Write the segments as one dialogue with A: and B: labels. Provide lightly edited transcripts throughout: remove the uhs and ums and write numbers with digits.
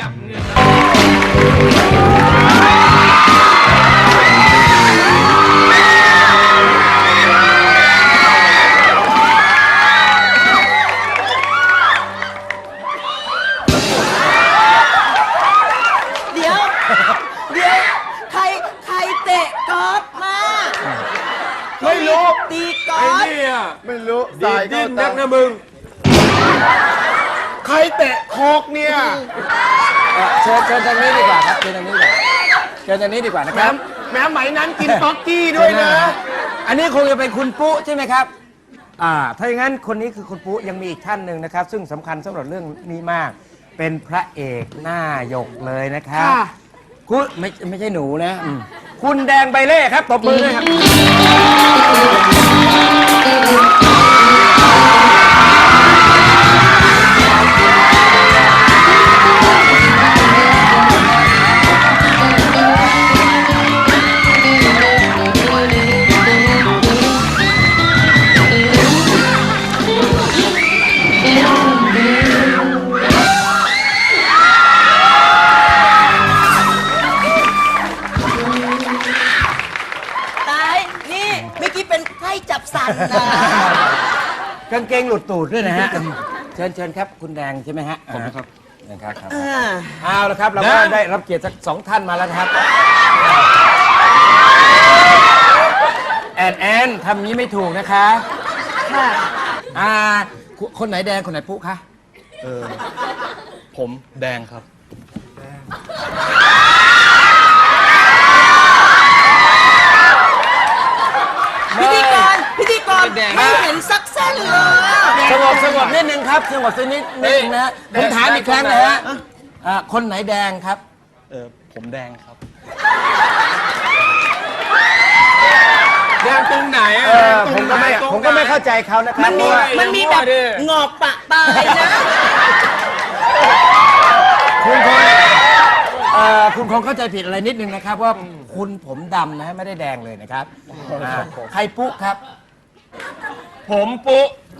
A: ยับเนี่ย
B: เดี๋ยวใครเตะกอล์ฟมา
C: ไม่รู้
B: ตีกอ
A: ไอ้
B: ล์ฟ
A: นี่อ่ะ
C: ไม่รู้
A: ดี
C: สาย
A: ดิ้
C: เข้าน
A: นั
C: ตาก
A: นะมึง
C: ใครเตะโคกเนี่ย
D: เชิญทางนี้ดีกว่าครับเชิญทางนี้ดีกว่าเชิญทางนี้ดีกว่านะค
C: แม้
D: รับ
C: แม้ไหมนั้นกินป๊อกกี้ด้วยนะ
D: อันนี้คงจะเป็นคุณปุ๊ใช่ไหมครับถ้าอย่างนั้นคนนี้คือคุณปุ๊ยังมีอีกท่านหนึ่งนะครับ ซึ่งสำคัญสำหรับเรื่องนี้มาก เป็นพระเอกหน้าหยกเลยนะครับ
C: ค่ะ
D: คุณไม่ใช่หนูนะคุณแดงใบเล่ครับตบมือด้วยครับ
B: ตายนี่เมื่อกี้เป็นไข้จับสันนะ
D: กางเกงหลุดตูดด้วยนะฮะเชิญครับคุณแดงใช่ไหมฮะผมครับนะครับเอาละครับเราก็ได้รับเกียรติสักสองท่านมาแล้วนะครับแอนทำนี้ไม่ถูกนะคะ
B: ค่ะ
D: คนไหนแดงคนไหนปุ๊คะ
E: ผมแดงครับ
B: พิธีกรไม่เห็นสักเส้นเลย
D: สงบนิดนึงครับสงบสักนิดนึงนะผมถามอีกครั้งนะฮะคนไหนแดงครับ
E: ผมแดงครับ
A: แดงตรงไหนอ่ะ
D: ผมก็ไม่เข้าใจเขานะครับ
B: มันมีแบบงอกปะตายนะ
D: คุณคงเข้าใจผิดอะไรนิดนึงนะครับว่าคุณผมดำนะฮะไม่ได้แดงเลยนะครับใครปุ๊ครับ
A: ผมปุ๊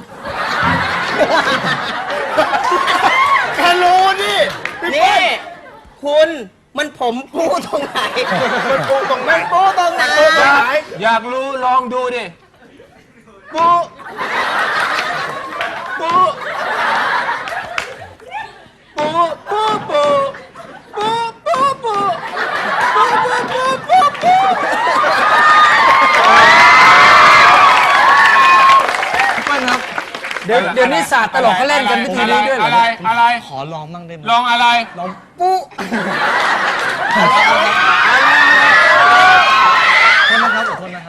C: แค่รู้นี่
B: นี่คุณมันผมปูตรงไหน
C: มันปูตรงไหน
B: ปูตรงไหน
A: อยากรู้ลองดูดิปุ๊ปุ๊ปุ๊ปุ๊ปุ๊ปุ๊ปุ๊ปุ๊ปุ๊ปุ๊ปุ๊
D: เดี๋ยวนี้ศาสตร์ตลกเขาเล่นกันวิธีนี้ด้วยเหรอ
A: อะไร
E: ขอลองบ้างได้ไหม
A: ลองอะไร
D: ปุ๊
E: โทษนะครับขอโทษนะครับ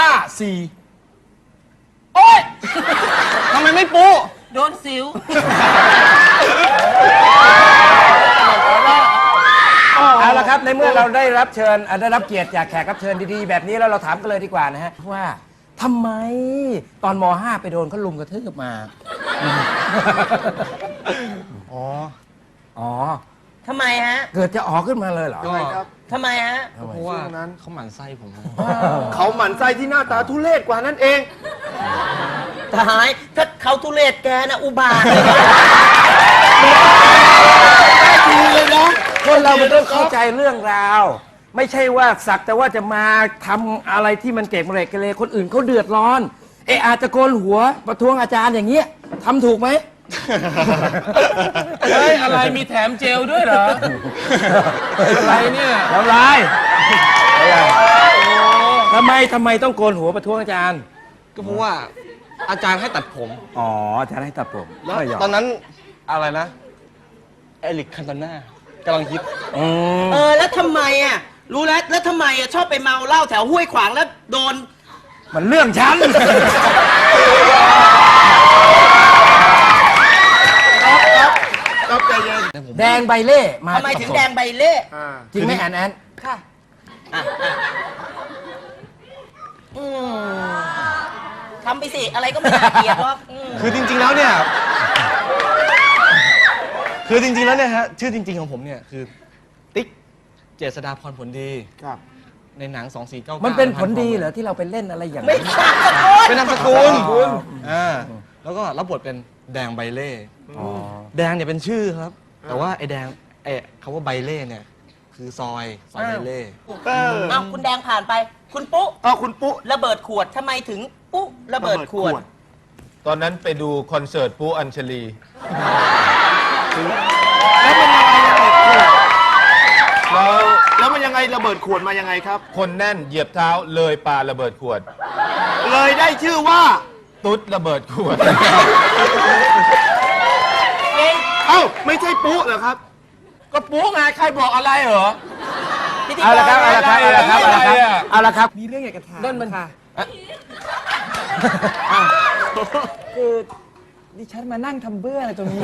D: 5 4
A: โอ๊ย
E: ทำไมไม่ปู
B: โดนสิว
D: เอาละครับในเมื่อเราได้รับเชิญได้รับเกียรติจากแขกรับเชิญดีๆแบบนี้แล้วเราถามกันเลยดีกว่านะฮะว่าทำไมตอนม .5 ไปโดนเขาลุมกระทืบมา อ๋อ
B: ทำไมฮะ
D: เกิดจะอ๋อขึ้นมาเลยเหรอ
B: ทำไมฮะ
E: เพราะว่าเขาหมั่นไส้ผม
C: เขาหมั่นไส้ที่หน้าตาทุเรศกว่านั่นเอง
B: ตายถ้าเขาทุเรศแกนะอุบาทเลย
D: คนเรามันต้องเข้าใจเรื่องราว ไม่ใช่ว่าสักแต่ว่าจะมาทำอะไรที่มันเกะเรกเรคนอื่นเขาเดือดร้อนอาจจะโกนหัวประท้วงอาจารย์อย่างเงี้ยทำถูกไหม
A: เฮ้ยอะไรมีแถมเจลด้วยเหรอ อะไรเนี่ย
D: ทำไรทำไมต้องโกนหัวประท้วงอาจารย์
E: ก็เพราะว่าอาจารย์ให้ตัดผม
D: อ๋ออาจารย์ให้ตัดผม
E: แล้ว
D: ไม่ยอม
E: ตอนนั้นอะไรนะเอริกคันโตน่ากำลังฮิต
B: แล้วทำไมอ่ะรู้แล้วทำไมอ่ะชอบไปเมาเหล้าแถวห้วยขวางแล้วโดน
D: มันเรื่องฉัน
C: ครับใจเย็น
D: แดงใบเล่มา
B: ทำไมถึงแดงใบเล่
D: จริงไหมแอน
B: ค่ะทำไปสิ อะไรก็ไม่น่าเกลียดหรอก
E: คือจริงๆแล้วเนี่ยฮะชื่อจริงๆของผมเนี่ยคือติ๊กเจษฎาพรผลดี
C: ครับ
E: ในหนัง 2499
D: มันเป็นผลดีเหรอที่เราไปเล่นอะไรอย่าง
B: ไม่
D: นั้น
B: ใช่
E: เป็นนามสกุลแล้วก็รับบทเป็นแดงใบเล่แดงเนี่ยเป็นชื่อครับ แต่ว่าไอ้แดงคำว่าใบเล่เนี่ย คือซอยใบเล่
B: เอาคุณแดงผ่านไป คุณปุ๊
C: คุณปุ๊
B: ระเบิดขวดทำไมถึงปุ๊ระเบิดขวด
A: ตอนนั้นไปดูคอนเสิร์ตปูอัญชลี
C: แล้วมันยังไงระเบิดขวดมายังไงครับ
A: คนแน่นเหยียบเท้าเลยปาระเบิดขวด
C: เลยได้ชื่อว่า
A: ตุ๊ดระเบิดขวด
C: เอ้าไม่ใช่ปุ๊เหรอครับ
A: ก็ปูไงใครบอกอะไรเหรอ
D: เอาละครับ เอาละครับ เอาละครับ เอาละครับ เอาละครับ
F: มีเรื่องอยากจะถาม
A: นั่นมัน
F: ค่ะ คือดิฉันมานั่งทำเบื้ออะไรตรงนี้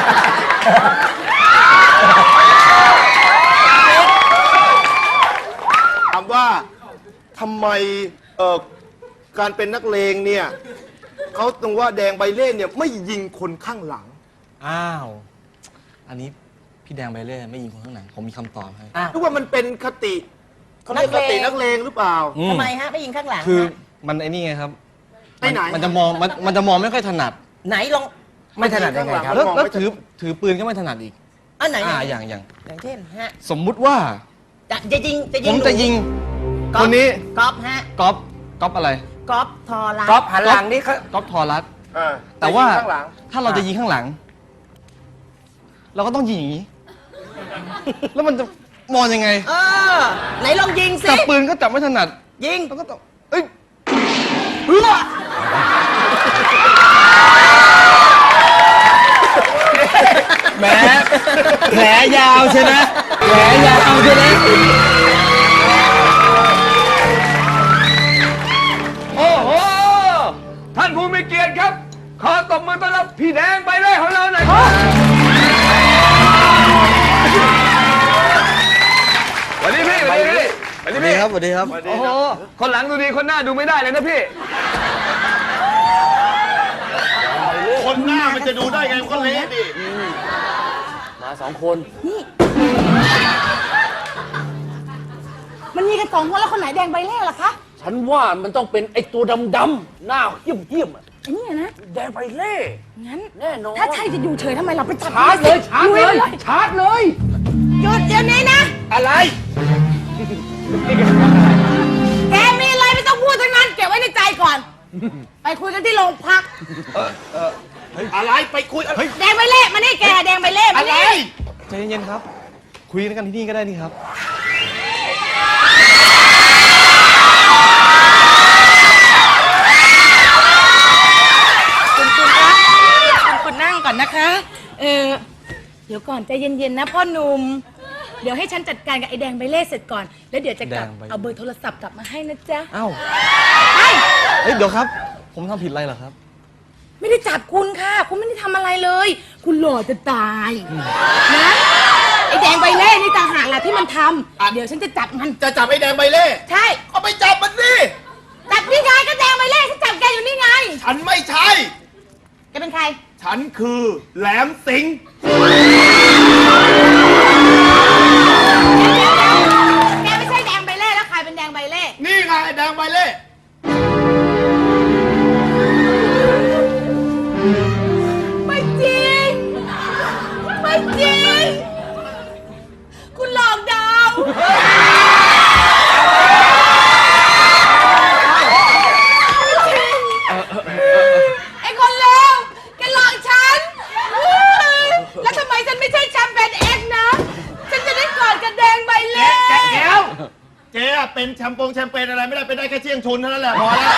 C: ถามว่าทำไมการเป็นนักเลงเนี่ยเขาตรงว่าแดงใบเล่เนี่ยไม่ยิงคนข้างหลัง
E: อ้าว อันนี้พี่แดงใบเล่ไม่ยิงคนข้างหลังผมมีคำตอบให้
C: หรือว่ามันเป็นคติเขาเรียกคตินักเลงหรือเปล่า
B: ทำไมฮะไม่ยิงข้างหลัง
E: คือ
B: ฮะ
E: มันไอ้นี่ไงครับ
C: ไปไหน
E: มันจะมองมันจะมองไม่ค่อยถนัด
B: ไหนลอง
D: ไม่ถนัดยังไงครับ
E: แล้ว
C: มอง
E: แล้ว
C: ไม่
E: ถือปืนก็ไม่ถนัดอีก
B: อันไหน
E: อย่าง
B: อย่างเช่นฮะ
E: สมมุติว่า
B: จะยิง
E: ผมจะยิง
B: ก๊อฟ
E: คนนี้
B: ก๊อฟฮะ
E: ก๊อปอะไร
B: ก๊อฟทอรัส
D: ก๊อฟหันหลังนี่เขา
E: ก๊อปทอรัส
C: อ่า
E: แต่ว่า
C: ยิงข้างหลัง
E: ถ้าเราจะยิงข้างหลัง เราก็ต้องยิงอย่างนี้ แล้วมันจะมองยังไง
B: เออไหนลองยิงสิ
E: จับปืนก็จับไม่ถนัด
B: ยิง
E: แล้วก็ต้องเอ้ย
D: แหมแผลยาวใช่ไหมแผลยาวใช่ไหม
A: โอ้โห ท่านผู้มีเกียรติครับ ขอตบมือต้อนรับพี่แดงใบเล่ของเราหน่อยครับสวัสดีพี่สวัสดีพี่สวัส
E: ส
A: ดี
E: วัสดี
A: พี่
E: ครับสวัสดีครับ
A: โอ้โห คนหลังดูดี คนหน้าดูไม่ได้เลยนะพี่
C: คนหน้ามันจะดูได้ไงมันก็เละดิ
G: มันมีกันสองคนแล้วคนไหนแดงใบเล่ล่ะคะ
H: ฉันว่ามันต้องเป็นไอ้ตัวดำๆหน้าเหี้ยมๆอะ
G: ไอ้นี่นะ
H: แดงไปเล่
G: งั้น
H: แน่นอน
G: ถ้าใช่จะอยู่เฉยทำไมเราไปจับ
H: ชาร์จเลย ชาร์จเลย ชาร์จเลย
G: หยุดเดี๋ยวนี้นะ
H: อะไร
G: แกมีอะไรไม่ต้องพูดทั้งนั้น เก็บไว้ในใจก่อน ไปคุยกันที่โรงพัก
C: อะไรไปคุยอะไร
G: แดงใบเล่มานี่แกแดงใบเล่มานี่
E: ใจเย็นๆครับ คุยกันที่นี่ก็ได้นี่ครับ
G: คุณนั่งก่อนนะคะ เดี๋ยวก่อนใจเย็นๆนะพ่อหนุ่ม เดี๋ยวให้ฉันจัดการกับไอ้แดงใบเล่เสร็จก่อน แล้วเดี๋ยวจะกลับ
E: แดงใบเล่
G: เอาเบอร์โทรศัพท์กลับมาให้นะจ๊ะ
E: อ้าว
G: ไป
E: เฮ้ยเดี๋ยวครับ ผมทำผิดอะไรเหรอครับ
G: ไม่ได้จับคุณค่ะ คุณไม่ได้ทำอะไรเลย คุณหล่อจะตายนะไอ้แดงใบเล่นี่ต่างหากแหละที่มันทำเดี๋ยวฉันจะจับมัน
C: จะจับไอ้แดงใบเล่
G: ใช่
C: ก็ไปจับมันสิ
G: จับนี่ไงก็แดงใบเล่ฉันจับแกอยู่นี่ไง
C: ฉันไม่ใช่
G: แกเป็นใคร
C: ฉันคือแหลมสิงห์
G: แกไม่ใช่แดงใบเล่แล้วใครเป็นแดงใบเล่
C: นี่ไงไอ้แดงใบเล่
G: ไม่จริง ไม่จริง คุณหลอกดาวไอ้คนเลวแกหลอกฉันแล้วทำไมฉันไม่ใช่แชมเปญเอ็กซ์นะ ฉันจะได้กอดกับแดงใบเล่
C: เดี๋ยวเจ๊อะเป็นแชมเปญอะไรไม่ได้เป็นได้แค่เชี่ยงชุนเท่านั้นแหละพอแล้ว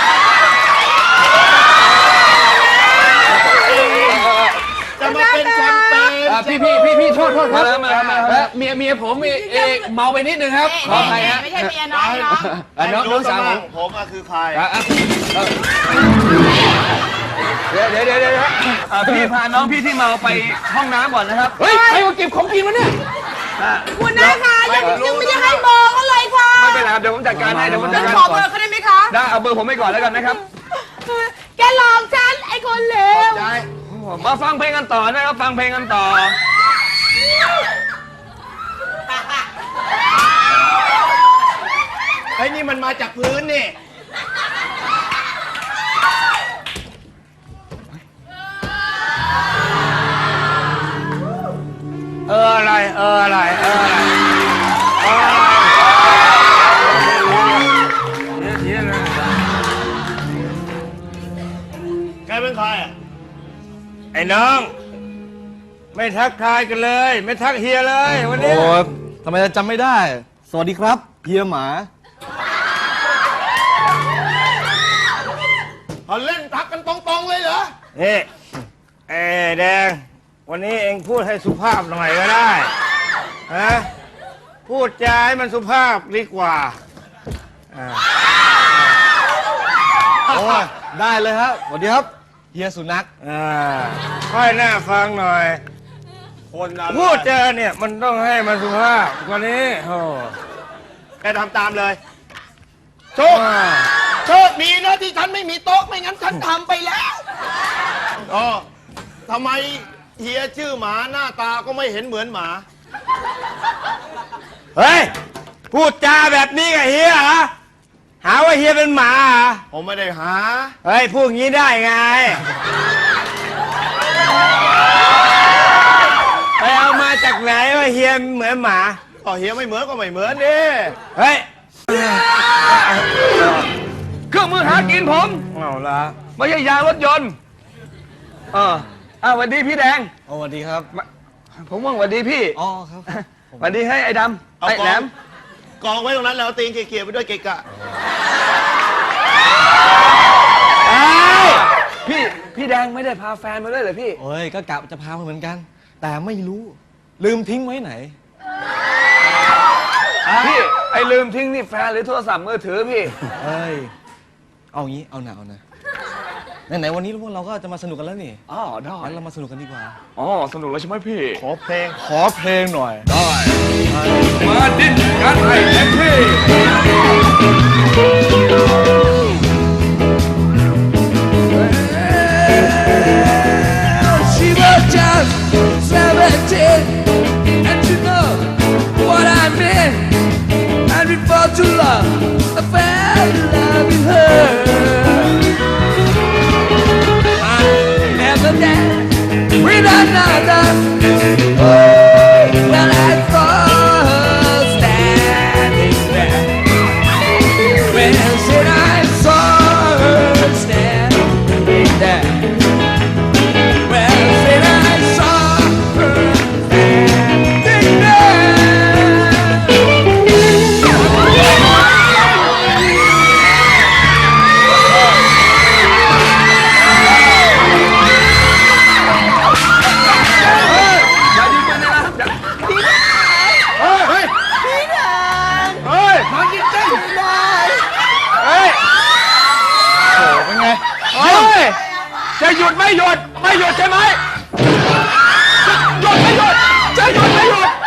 C: จะมาเป็นแชมเปญ
A: พี่โทษมาแล้วเมียผมเมาไปนิดนึงครับ ขออภัยฮะ
G: ไม่ใช่เมียน้องน้อง
A: น้องสาวผม
C: ผมอะคือใคร
A: เดี๋ยวพี่พาน้องพี่ที่เมาไปห้องน้ำก่อนนะครับ เฮ้ยใครมาเก็บของกินวะเนี่ย
G: คุณนะคะยังไม่ได้ให้เบอร์เขาเลยค่ะ
A: ไม่เป็นไรครับเดี๋ยวผมจัดการให้เดี๋ยวผมจั
G: ฉั
A: ด
G: น
A: การ
G: ขอ
A: ก่
G: เบ
A: อ
G: อน ร์เขาได้ไหมคะ
A: ได้เอาเบอร์ผมไปก่อนแล้วกันนะครับ
G: แกหลอกฉันไอ้คนเลว
A: มาฟังเพลงกันต่อนะครับ ฟังเพลงกันต่อ
C: ไอ้นี่มันมาจากพื้นนี่
H: อะไร
D: อะไรเฮียนะ
C: แกเป็นใครอ่ะ
D: ไอ้น้อง ไม่ทักทายกันเลย ไม่ทักเฮียเลยวันนี้
E: โอ้ทำไมจะจำไม่ได้ สวัสดีครับเฮียหมา
C: เขาเล่นทักกันตรงๆเลยเหรอ
D: เฮ้ไอ้แดง วันนี้เองพูดให้สุภาพหน่อยก็ได้ฮะพูดจาให้มันสุภาพดีกว่า
E: โอ้ยได้เลยครับสวัสดีครับเฮียสุนัข
D: ค่อยหน้าฟังหน่อย
C: คนอะไร
D: พูดจาเนี่ยมันต้องให้มันสุภาพกว่านี้โอ้
C: แกทำตามเลย โชค โชคดีนะที่ฉันไม่มีโต๊ะไม่งั้นฉันทำไปแล้วอ๋อทำไมเฮียชื่อหมาหน้าตาก็ไม่เห็นเหมือนหมา
D: เฮ้ย พูดจาแบบนี้กับเฮียเหรอหาว่าเฮียเป็นหมาเหรอ
C: ผมไม่ได้หา
D: เฮ้ย พูดงี้ได้ไง ไปเอามาจากไหนว่าเฮียเหมือนหมา
C: ก็เฮียไม่เหมือนก็ไม่เหมือนดิ
D: เฮ้ย
A: เครื่องมือหากินผม
D: เอาละ
A: ไม่ใช่ยางรถยนต์สวัสดีพี่แดง
E: โอ้สวัสดีครับ
A: ผมว่าสวัสดีพี่
E: อ๋อครับ
A: สวัสดีให้ไอ้ดำไอ้แหลม
C: กองไว้ตรงนั้นแล้วเอาตีนเกี่ยวๆไปด้วยเกะกะ
A: พี่แดงไม่ได้พาแฟนมาด้วยเหรอพี่
E: โอ้ยก็กะจะพามาเหมือนกัน แต่ไม่รู้ลืมทิ้งไว้ไหน
A: พี่ไอ้ลืมทิ้งนี่แฟนหรือโทรศัพท์มือถือพี่
E: เอ้ยเอางี้เอาหนาไหนๆวันนี้พวกเราก็จะมาสนุกกันแล้วนี่
A: อ๋อได้
E: งั้นเรามาสนุกกันดีกว่า
A: อ๋อสนุกแล้วใช่ไหมพี่
C: ขอเพลง
E: ขอเพลงหน่อย
A: มาดิ้นกันให้เต็มที่
F: She was just 17, and you know what I mean. And before too long, I fell in love with her. I never danced with another. Well, I saw her standing there. When said I saw her standing there. Well, said I saw her standing
A: อย่ายิงปืนนะครับอย่า
C: เฮ้ย
D: เฮ้ย
A: มายิงเต้น
D: เฮ้ย
E: เป็นไง
A: เฮ้ยจะหยุดไม่หยุดไม่หยุดใช่ไหมหยุดไม่หยุดจะหยุดไม่หยุด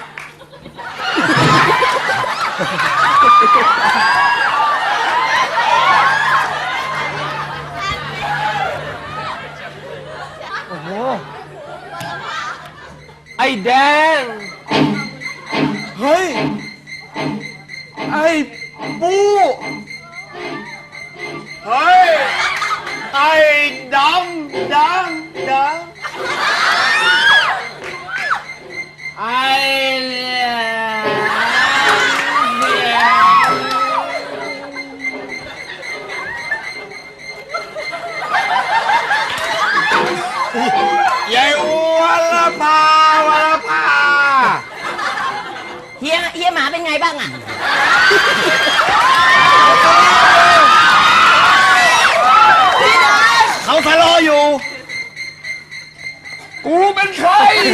H: ไอ้แดง
E: เฮ้ย
H: ไอ้ปู
C: เฮ้ย ไอ้ดำ
H: ไอ้เนี่ย
D: ยายวรภาวรภา
B: เฮียหมาเป็นไงบ้างอ่ะ
E: เขาสลออยู่
A: กูเป็นใคร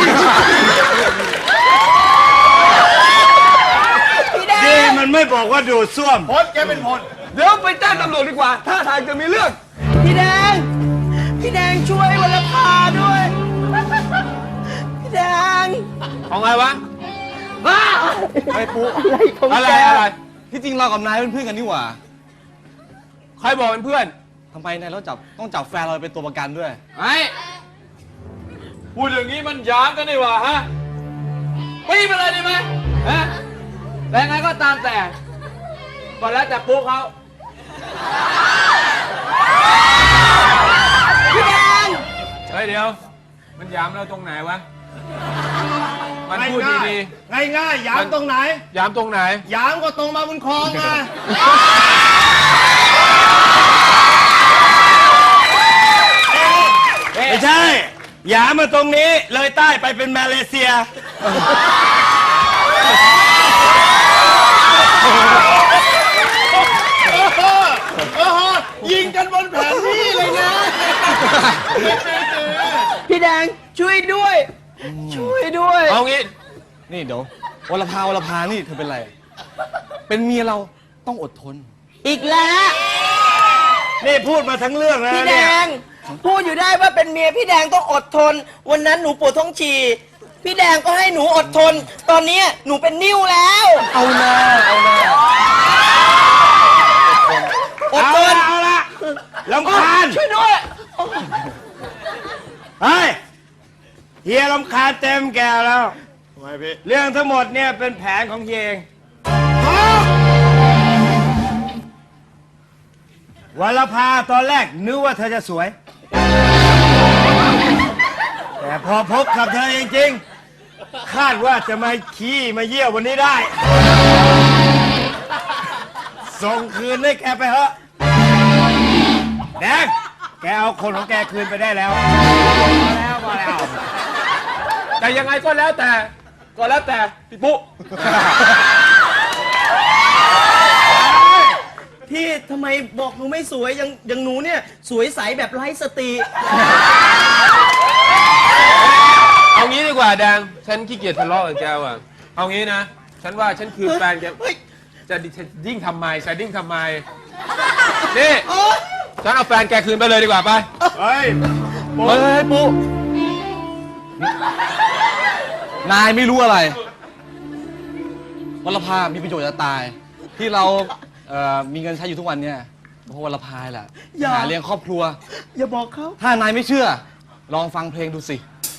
D: ดีมันไม่บอกว่าดูดซ่วม
C: พลแกเป็นพล
A: เดี๋ยวไปแจ้งตำรวจดีกว่า ถ้าทางจะมีเรื่อง
B: พี่แดงช่วยวรภาด้วย พี่แดง
H: เอาไงวะ
E: ไอ้ปุ๊
H: อะไร
E: ที่จริงเรากับนายเป็นเพื่อนกันนี่หว่า
H: ใครบอกเป็นเพื่อน
E: ทำไมนายต้องจับแฟนเราไปเป็นตัวประกันด้วย
H: ไอ้พูดอย่างนี้มันหยามกันดีกว่าฮะปีไปเลยดีไหมฮะแต่ไงก็ตามแต่ก็แล้วแต่ปุ๊กเขา
A: เฮ้ยเดี๋ยว มันหยามเราตรงไหนวะ
H: มันพูดดี
C: ง่ายๆยามตรงไหน
H: ๆย้ำตรงไหน
C: ยามก็ตรงมาบนคลองไง
D: ไม่ใช่หยามมาตรงนี้เลยใต้ไปเป็นมาเลเซีย
C: ยิงกันบนแผนที่เลยนะ
B: พี่แดงช่วยด้วย ช่วยด้วย
E: เอางี้ นี่เดี๋ยววรภานี่เธอเป็นไร เป็นเมียเราต้องอดทน
B: อีกแล้ว
D: นี่พูดมาทั้งเรื่องแล้ว
B: พี่แด
D: เนี่ย
B: ง พูดอยู่ได้ว่าเป็นเมียพี่แดงต้องอดทน วันนั้นหนูปวดท้องฉี่พี่แดงก็ให้หนูอดทน ตอนนี้หนูเป็นนิ่วแล้ว
E: เอานะเอานะ
B: อดทน
D: เอาละลำคาญ
B: ช่วยด้วย
D: เฮ้ยเฮียลำคาญเต็มแก่แล้ว
C: ทำไมพี่
D: เรื่องทั้งหมดเนี่ยเป็นแผนของเฮียเองวรภาตอนแรกนึกว่าเธอจะสวย แต่พอพบกับเธอจริงๆคาดว่าจะมาขี้มาเยี่ยววันนี้ได้ ส่งคืนให้แกไปเถอะแดงแกเอาคนของแกคืนไปได้แล้วพอแล้ว
H: แต่ยังไงก็แล้วแต่พี่ปุ๊
B: พี่ทำไมบอกหนูไม่สวยอย่างหนูเนี่ย สวยใสแบบไร้สติ
H: เอางี้ดีกว่าแดง ฉันขี้เกียจทะเลาะกับแกว่ะ เอางี้นะ ฉันว่าฉันคือแฟนแก
B: เฮ้ย
H: จะยิ่งทำไมนี่ ฉันเอาแฟนแกคืนไปเลยดีกว่าไป
C: เฮ้ย
E: เฮ้ยปุ๊นายไม่รู้อะไรวรภามีประโยชน์จะตาย ที่เรามีเงินใช้อยู่ทุกวันเนี่ยเพราะวรภาแหละ
B: อย่า
E: หาเลี้ยงครอบครัว
B: อย่าบอกเขา
E: ถ้านายไม่เชื่อ ลองฟังเพลงดูสิ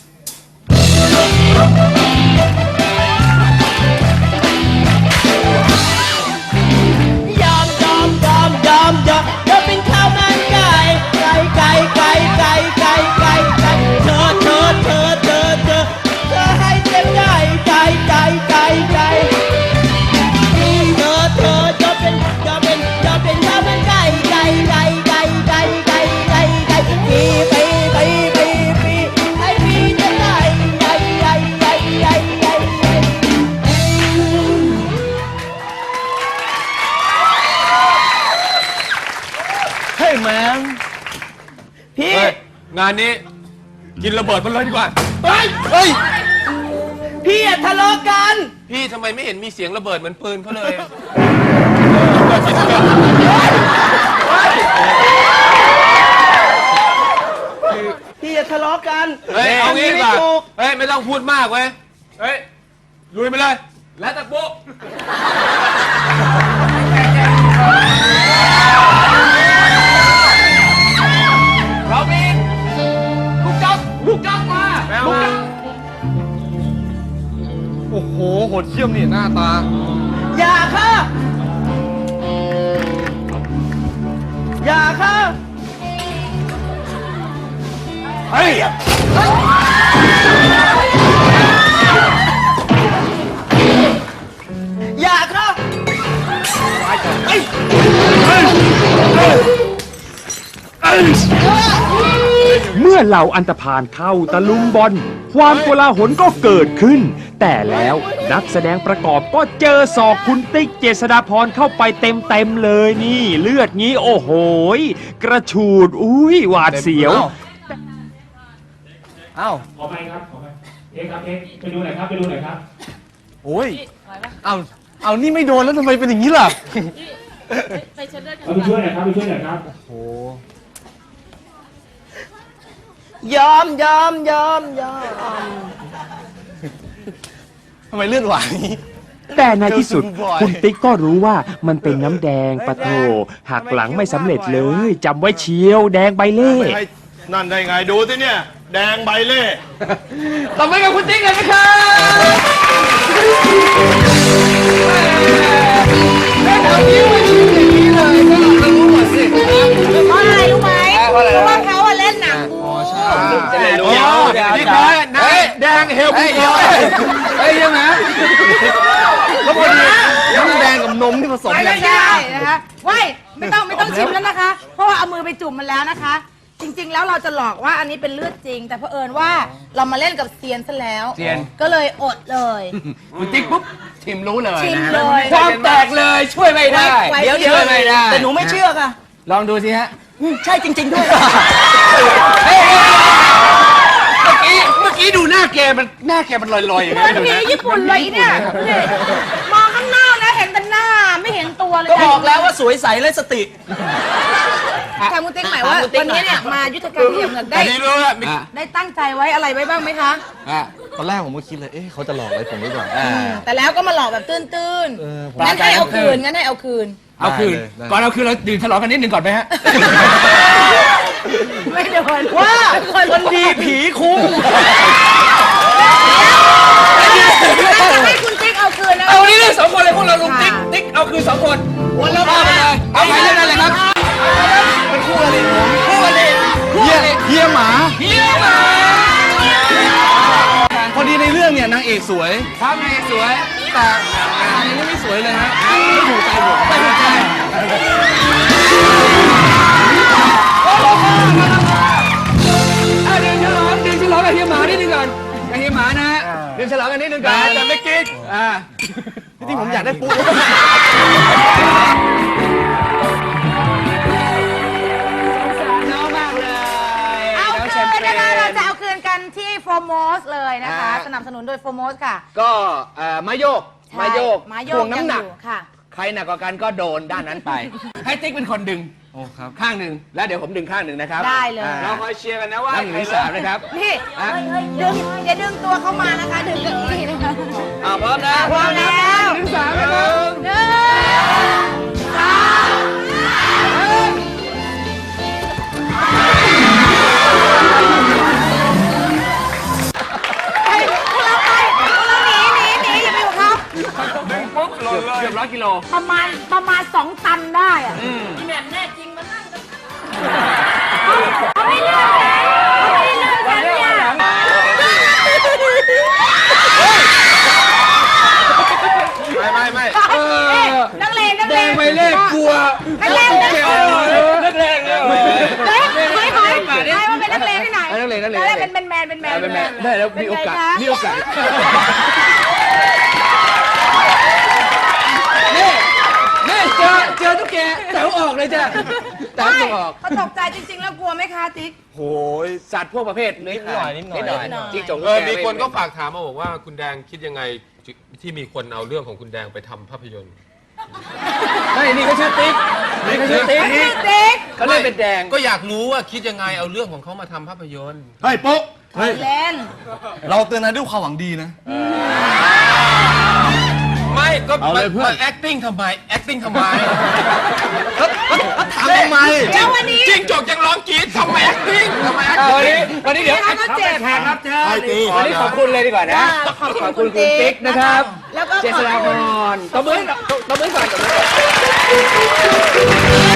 B: ยอมจะเป็นข้าวมันไก่เธอให้เต็มใจเธอจะเป็นข้าวมันไก่ปีให้ปีจะได้
E: เฮ้ยแมน
B: พี่
H: เฮ้ย งานนี้กินระเบิดมันเลยดีกว่า
E: เฮ้ย
B: พี่อย่าทะเลาะกัน
H: พี่ทำไมไม่เห็นมีเสียงระเบิดเหมือนปืนเขาเลย
B: พี่อย่าทะเลาะกัน
H: เฮ้ย เอางี้ดีกว่า
B: ไม่ถูก
H: เฮ้ย ไม่ต้องพูดมากเว้ย เฮ้ย ลุยไปเลย แล้วแต่ปุ๊เรามีลูกจ๊อกมาลูกจ๊อก
E: โอ้โหโหดเยี่ยมนี่หน้าตา
B: อย่าค่ะ
D: เฮ้ย
B: อย่าค่ะ
I: เมื่อเหล่าอันธพาลเข้าตะลุมบอลความโกลาหลก็เกิดขึ้น แต่แล้วนักแสดงประกอบก็เจอศอกคุณติ๊กเจษฎาพรเข้าไปเต็มเลยนี่เลือดงี้โอ้โหกระฉูดอุ้ยหวาดเสียว
E: เอ้า
J: ขอไปครับขอไปเอ็กครับเอ็กไปดูหน่อยครับไปดูหน่อยครับ
E: โอ้ย เอานี่ไม่โดนแล้วทำไมเป็นอย่างนี้ล่ะ
G: ไปเช็ดเลือดกัน
J: เอาไปช่วยหน่อยครับไปช่วยหน่อยครับ
B: ยอม
E: ทำไมเลือดหวานนี้
I: แต่ในที่สุด
E: เจอคุณบอย
I: คุณติ๊กก็รู้ว่ามันเป็นน้ำแดงปะโถหักหลังไม่สำเร็จเลยจำไว้เชียวแดงใบเล่
C: ไม่ให้นั่นได้ไงดูสิเนี่ย แดงใบเล่
H: ต่อไปกับคุณติ๊กเลยนะครับแถวนี้มันชิมอย่างนี้เลยก็รู้หมดสิ
G: เพราะอะไรรู้ไหมเพราะว่าเขาอะเล่นหนังบู
H: เดี๋ยวนี่เขานายแดง
C: งเฮลพี่เฮล
A: เฮ้ยยังไง
E: แล้วพอดีน้ำแดงกับนมที่ผสมกัน
G: ไม่ได้นะคะว้ายไม่ต้องชิมแล้วนะคะ เพราะว่าเอามือไปจุ่มมันแล้วนะคะ จริงๆแล้วเราจะหลอกว่าอันนี้เป็นเลือดจริง แต่เผอิญว่าเรามาเล่นกับเซียนซะแล้ว
A: เซียน
G: ก็เลยอดเลย
A: คุณติ๊กปุ๊บชิมรู้เลย
G: ชิม
A: นะ
G: เลย
A: ความแตกเลยช่วยไม่ได้
G: ไว้
B: เดี๋ยว
A: ช่วยไม่ได้
B: แต่หนูไม่เชื่อค่ะ
A: ลองดูสิฮะ
B: ใช่จริง ๆด้วย
A: เมื่อกี้ดูหน้าแกมันลอยๆอย่าง
G: เหมื
A: นี้
G: อน
A: ดู
G: ผี
A: นะ
G: ญี่ปุ่นเลยเนี่ยนี่มองข้างนอกนะเห็นแต่หน้าไม่เห็นตัวเลย
B: ก็บอกแล้วว่าสวยใสและสติ
G: ทางมุติ๊กหมายว่าวันนี้เนี่ยมายุทธการที่เหมือนได้
C: อันนี้รู้ว่า
G: ได้ตั้งใจไว้อะไรไว้บ้างไหมคะ
E: ตอนแรกผมก็คิดเลย เขาจะหลอกอะไรผมหรือเปล่า
G: แต่แล้วก็มาหลอกแบบตื้น
E: ผม
G: ๆงั้นให้เอาคืนงั้นให้เอาคืน
A: เอาคืน
E: ได้
A: ก่อนเอาคืนเราดื่มฉลองกันนิดหนึ่งก่อนไหมฮะ
G: ไม่โดน
B: ว่าคนดีผีคุ้ม
G: ให้คุณติ๊กเอาคืนนะ
A: เอาวันนี้เรื่องสองคนเลยพวกเราลุงติ๊กเอาคืน2 คนวนแล้วพาไปเลยเอาไปเรื่องนั้นเลยครับ
E: เป็นคู่อะไรผม
A: คู่กันเลย
E: เฮียหมา
A: เฮียมา
E: พอดีในเรื่องเนี่ยนางเอกสวย
A: ครับนายสวย
E: แต่ในนี้ไม่สวยเลยฮะไม่ถูกใจผม
A: ไปหัวใจดื่มฉลองกับเฮียหมานิดนึงก่อนกับเฮียหมานะฮะดื่มฉลองกันนิดนึงก่อนแต่ไม่กิน
E: จริงๆผมอยากได้ปุ๊บ
A: น้องมากเลย
G: เอาคืนนะคะเราจะเอาคืนกันที่โฟร์โมสเลยนะคะ สนับสนุนโดยโฟร์โมสค่ะ
A: ก็มาโยก
G: ใช่
A: มาโยก
G: มาโย
A: ถ่ว
G: ก
A: งน้ำหนัก
G: ยังอยู่ค่ะ
A: ใครหนักกว่ากันก็โดนด้านนั้นไป ให้ติ๊กเป็นคนดึง
E: โอ้ครับ
A: ข้างหนึ่งแล้วเดี๋ยวผมดึงข้างหนึ่งนะครับ
G: ได้เลย
A: เราคอยเชียร์กันนะว่า1 หรือ 3นะครับ
G: นี่ดึงอย่าดึงตัวเข้ามานะคะ ดึงเก้าอี้นะคะ
A: พร้อมนะ
G: พร้อมแล้ว
A: 1 3นะครับ
G: หนึ่งสามไปพวกเราไปพวกเราหนีอย่าไปอยู่กับเขา
A: ดึงปุ๊บหล่นเลยเกือบ100 กิโล
G: ประมาณ2 ตันได้อะพี่แหม่มแน่จริงมานั่งกันเขาไม่เลือกฉันเขาไม่ได้เลือกฉันเนี่ย
C: ไม่
G: นักเลง
A: แดงไปเลขกลัว
G: นักเลง
A: นักเลงเนี่ย
G: เฮ้ยให้มันเป็นนักเลงที่ไหน
A: นักเลง
G: เป็นแมน
A: ได้แล้วมีโอกาสนี่เจอตุ๊กแกแถวออกเลยจ้ะแถวออก
G: เขาตกใจจริงๆแล้วกลัวไหมคะติ๊ก
C: โหย
A: สัตว์พวกประเภทนิดหน่อยจิ้งจก
K: มีคนก็ฝากถามมาบอกว่าคุณแดงคิดยังไงที่มีคนเอาเรื่องของคุณแดงไปทำภาพยนตร์
A: ไม่นี่เขาชื่อติ๊กนี่เขาชื่อติ๊ก
G: ติ๊ก
A: เขาเล่นเป็นแดง
K: ก็อยากรู้ว่าคิดยังไงเอาเรื่องของเขามาทำภาพยนตร์
E: เฮ้ยปุ๊บเฮ้ย
G: เล่น
E: เราเตือนนายด้วยความหวังดีนะ
K: ไม่ก็
E: เอาเลยเพื่อน
K: มา acting ทำไม acting ทำไม
E: ทำทำไม
G: เดี๋ยววันนี้
K: จิ้งจกยังร้องกรี๊ดทำไม acting ทำไม
A: วันนี้เดี๋ยว
G: เขาก็เจ็บ
A: แขกรับเชิญ
E: ให้ตี
A: วันนี้ขอบคุณเลยดีกว่านะ
G: ขอบคุณ
A: คุณติ๊กนะครับ
G: แล้วก็
A: เจษฎาพรตบมือก่อน